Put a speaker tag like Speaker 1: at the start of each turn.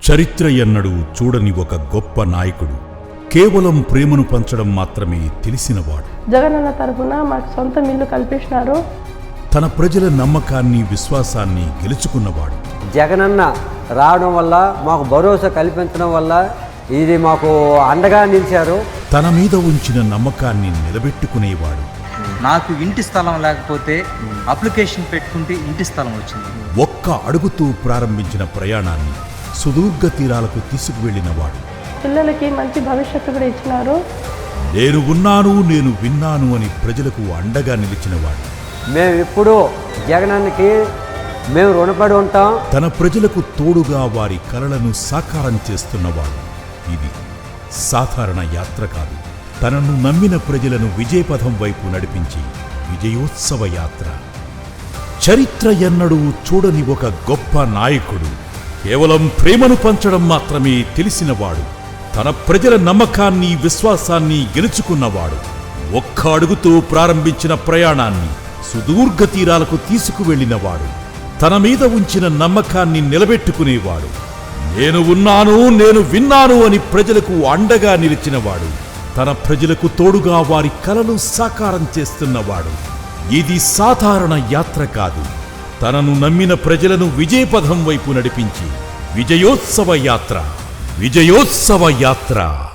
Speaker 1: చరిత్ర ఎన్నడూ చూడని ఒక గొప్ప నాయకుడు, కేవలం ప్రేమను పంచడం మాత్రమే తెలిసినవాడు.
Speaker 2: జగనన్న తరఫున మాకు సొంత ఇల్లు కల్పించినారు.
Speaker 1: తన ప్రజల నమ్మకాన్ని, విశ్వాసాన్ని గెలుచుకున్నవాడు.
Speaker 3: జగనన్న రావడం వల్ల మాకు భరోసా కల్పించడం వల్ల ఇది మాకు అండగా నిలిచారు.
Speaker 1: తన మీద ఉంచిన నమ్మకాన్ని నిలబెట్టుకునేవాడు.
Speaker 4: నాకు ఇంటి స్థలం లేకపోతే అప్లికేషన్ పెట్టుకుంటే ఇంటి స్థలం వచ్చింది.
Speaker 1: ఒక్క అడుగుతూ ప్రారంభించిన ప్రయాణాన్ని సుదూర్ఘ తీరాలకు తీసుకువెళ్ళినవాడు.
Speaker 2: పిల్లలకి మంచి భవిష్యత్తు కూడా ఇచ్చినారు.
Speaker 1: నేను ఉన్నాను, నేను విన్నాను అని ప్రజలకు అండగా నిలిచినవాడు.
Speaker 3: మేము ఇప్పుడు జగనన్నకి మేము రుణపడి ఉంటాం.
Speaker 1: తన ప్రజలకు తోడుగా వారి కలలను సాకారం చేస్తున్నవాడు. ఇది సాధారణ యాత్ర కాదు. తనను నమ్మిన ప్రజలను విజయపథం వైపు నడిపించి విజయోత్సవ యాత్ర. చరిత్ర ఎన్నడూ చూడని ఒక గొప్ప నాయకుడు, కేవలం ప్రేమను పంచడం మాత్రమే తెలిసినవాడు. తన ప్రజల నమ్మకాన్ని, విశ్వాసాన్ని గెలుచుకున్నవాడు. ఒక్క అడుగుతో ప్రారంభించిన ప్రయాణాన్ని సుదూర్ఘ తీరాలకు తీసుకువెళ్ళినవాడు. తన మీద ఉంచిన నమ్మకాన్ని నిలబెట్టుకునేవాడు. నేను ఉన్నాను, నేను విన్నాను అని ప్రజలకు అండగా నిలిచినవాడు. తన ప్రజలకు తోడుగా వారి కలలు సాకారం చేస్తున్నవాడు. ఇది సాధారణ యాత్ర కాదు. తనను నమ్మిన ప్రజలను విజయపథం వైపు నడిపించి విజయోత్సవ యాత్ర. విజయోత్సవ యాత్ర.